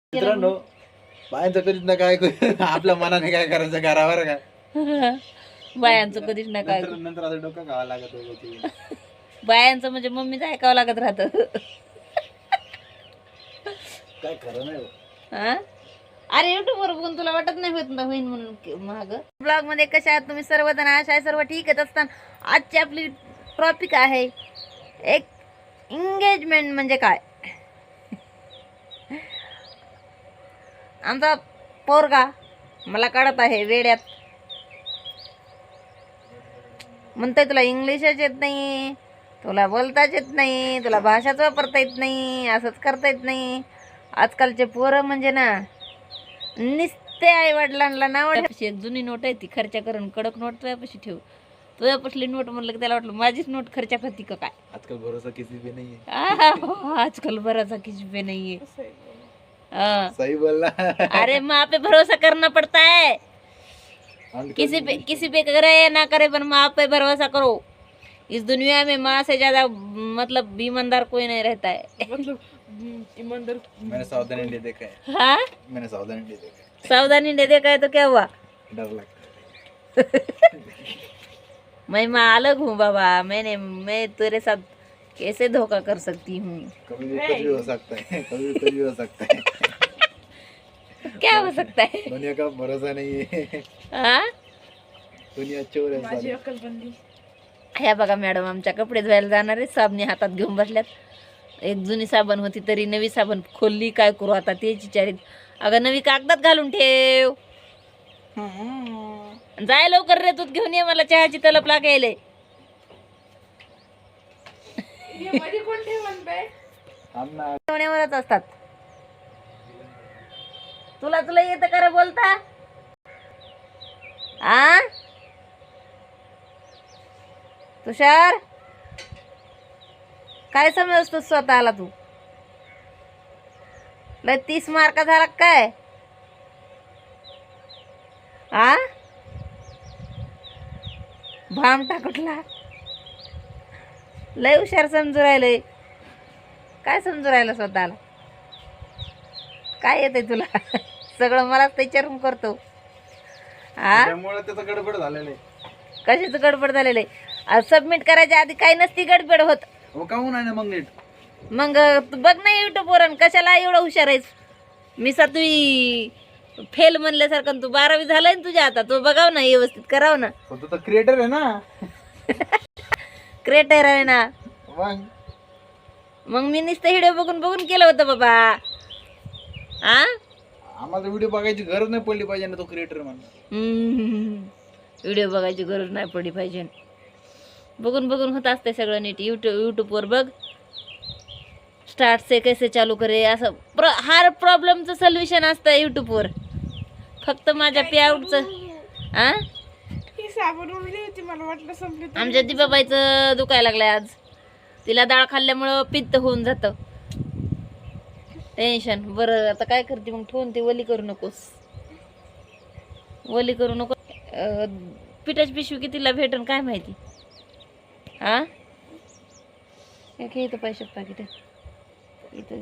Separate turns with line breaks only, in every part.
मित्रांनो, बायांचं कधीच ना काय आपल्या मनाने काय करायचं घरावर का
बायांचं कधीच नाही काय
नंतर असं डोकं खावं लागत होतं.
बायांचं म्हणजे मम्मीचं ऐकावं लागत राहत.
काय खरं नाही हो.
अरे युट्यूब वर बघून तुला वाटत नाही होईन म्हणून महाग ब्लॉग मध्ये कशा आहात तुम्ही सर्वजण? आशा आहे सर्व ठीकच असताना आजची आपली टॉपिक आहे एक एंगेजमेंट म्हणजे काय. आमचा पोरगा मला कळत आहे वेड्यात म्हणतोय तुला इंग्लिशच येत नाही, तुला बोलताच येत नाही, तुला भाषाच वापरता येत नाही, असंच करता येत नाही. आजकालचे पोरं म्हणजे ना निस्ते आई वडिलांना नाव ठेवायची. एक जुनी नोट आहे ती खर्चा करून कडक नोट तुझ्यापाशी ठेव. तुझ्यापासली नोट म्हणलं की त्याला वाटलं माझीच नोट खर्चा करते का काय.
आजकाल भरोसा किसी पे नहीं है.
आजकल भरोसा किसी पे नहीं है.
सही बोलना.
अरे माँ पे भरोसा करना पड़ता है. किसी पे करे या ना करे पर माँ पे भरोसा करो. इस दुनिया में माँ से ज्यादा मतलब ईमानदार कोई नहीं रहता है. मतलब ईमानदार
मैंने सावधानी ले देखा है.
हाँ
मैंने सावधानी ले देखा है.
सावधानी ले देखा है तो क्या हुआ?
डर लगता है.
मैं माँ अलग हूँ बाबा. मैं तेरे साथ कैसे धोखा कर सकती हूँ?
कभी भी कुछ भी हो सकता है. कभी भी कुछ भी हो सकता है.
क्या हो सकता है?
दुनिया का भरोसा नहीं है.
हाँ
दुनिया चोर है साली.
ह्या बघा मॅडम आमच्या कपडे धुवायला जाणार आहे. साबणी हातात घेऊन बसल्यात. एक जुनी साबण होती तरी नवी साबण खोलली. काय करू आता तेच विचारित. अगं नवी कागदात घालून ठेव. जाय लवकर रे, दूध घेऊन ये, मला चहाची तलप लागायले. ठेवण्यावरच असतात. तुला येतं का बोलता? आ तुषार काय समजतो स्वतःला तू? लय 30 मार्क झाला काय? आ भाम टाकटला लय हुशार समजू राहिलंय. काय समजू राहिलं स्वतःला? काय येते तुला? सगळं मलाच विचारून करतो.
त्यामुळे त्याचं गडबड झालेलं आहे.
कशाचं गडबड झालेलं आहे? सबमिट करायच्या आधी काही नसती गडबड होत.
हो काहून आहे ना मग नीट.
मग तू बघ ना युट्यूब वर कशाला एवढं हुशार आहेस. मी 7वी फेल म्हणल्यासारखं तू 12वी झालाय ना तुझ्या आता. तू बघाव ना व्यवस्थित कराव ना.
तू तर क्रिएटर आहे ना.
क्रिएटर आहे ना.
मग
मी नुसतं व्हिडिओ बघून बघून केलं होतं बाबा.
आम्हाला व्हिडिओ बघायची गरज नाही पडली पाहिजे ना तो क्रिएटर म्हणून.
व्हिडिओ बघायची गरज नाही पडली पाहिजे. बघून बघून होत असते सगळं नीट. यूट्यूबवर बघ. स्टार्ट से कैसे चालू करे असं हर प्रॉब्लेमचं सोल्युशन असतं यूट्यूबवर. फक्त माझ्या पेआउटचं आमच्या दिबाबाईचं दुखायला लागलंय आज. तिला डाळ खाल्ल्यामुळं पित्त होऊन जातं. टेन्शन. बरं आता काय करते मग? ठेवून ते वली करू नकोस. वली करू नको. पिठाची पिशवी कितीला भेटन काय माहिती. इथं पैशात पाकिट इथं.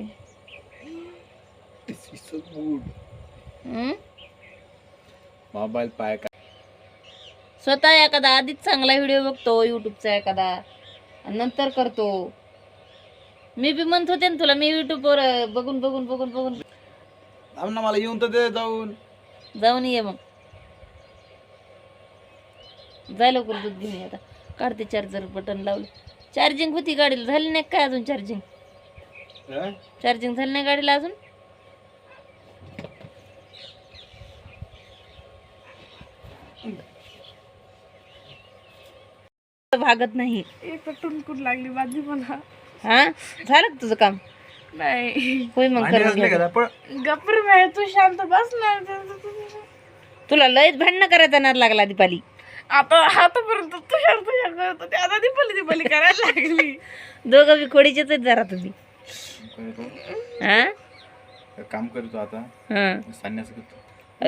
मोबाईल पाय का
स्वतः एखादा आधीच चांगला व्हिडिओ बघतो युट्यूबचा एखादा नंतर करतो. मी बी म्हणत होते ना तुला, मी युट्यूबवर बघून बघून बघून बघून
ना मला येऊन तर दे. जाऊन
ये मग. जाय लवकर दूध घेऊन ये. आता काढते चार्जर बटन लावलं. चार्जिंग होती गाडीला. झाली नाही काय अजून चार्जिंग? चार्जिंग झाली नाही गाडीला अजून. भागत नाही.
एक टुनकुट लागली बाजी मला.
झालं का तुझं काम?
नाही
होय मग
गप्पर बाहेर तू शांत बस ना.
तुला लयच भांडणं करायचा नाद लागला दीपाली.
आता आतापर्यंत तू शांत करत होती. आता दीपाली करायला लागली.
दोघं बी खोडीचेच आहेत जरा तुम्ही.
काम करतो आता. संन्यास करतो.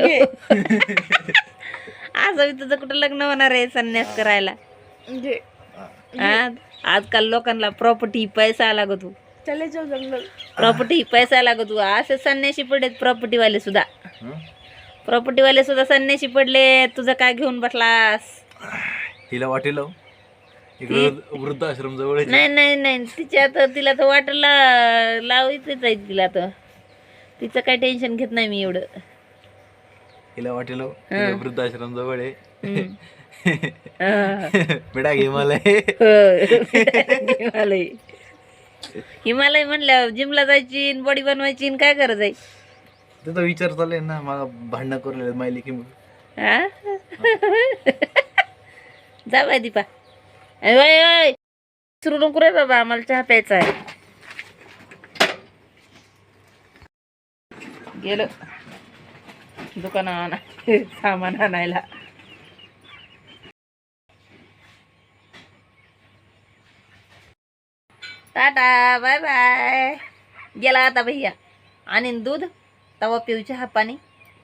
असं मी तुझं कुठं लग्न होणार आहे संन्यास करायला? आजकाल लोकांना प्रॉपर्टी पैसा लागतो.
चले जाऊ जंगल.
प्रॉपर्टी पैसा लागतो असे संन्याशी पडलेत प्रॉपर्टीवाले सुद्धा.
हं?
प्रॉपर्टीवाले सुद्धा संन्याशी पडले. तुझं काय घेऊन बसलास?
हिला वाटेल इकडे वृद्धाश्रम जवळ
नाही नाही नाही तिला तर वाटला लावायचंच आहे तिला तर. तिचं काय टेन्शन घेत नाही मी एवढं.
हिला वाटेल
हं.
वृद्धाश्रम जवळ आहे.
हम्म. हा.
बेटा हिमालय.
हिमालय हिमालय म्हणल्यावर जिमला जायची बॉडी बनवायची काय गरज आहे?
त्याचा विचार चाललाय ना मला भांडणं करून माहिली की
हा? जा बाय दीपा. ओय सुरू नको रे बाबा आम्हाला चहा प्यायचा आहे. गेलो दुकानात सामान आणायला. Tata bye bye. गेला आता भैया आणि दूध तवा पिऊ चहा पाणी.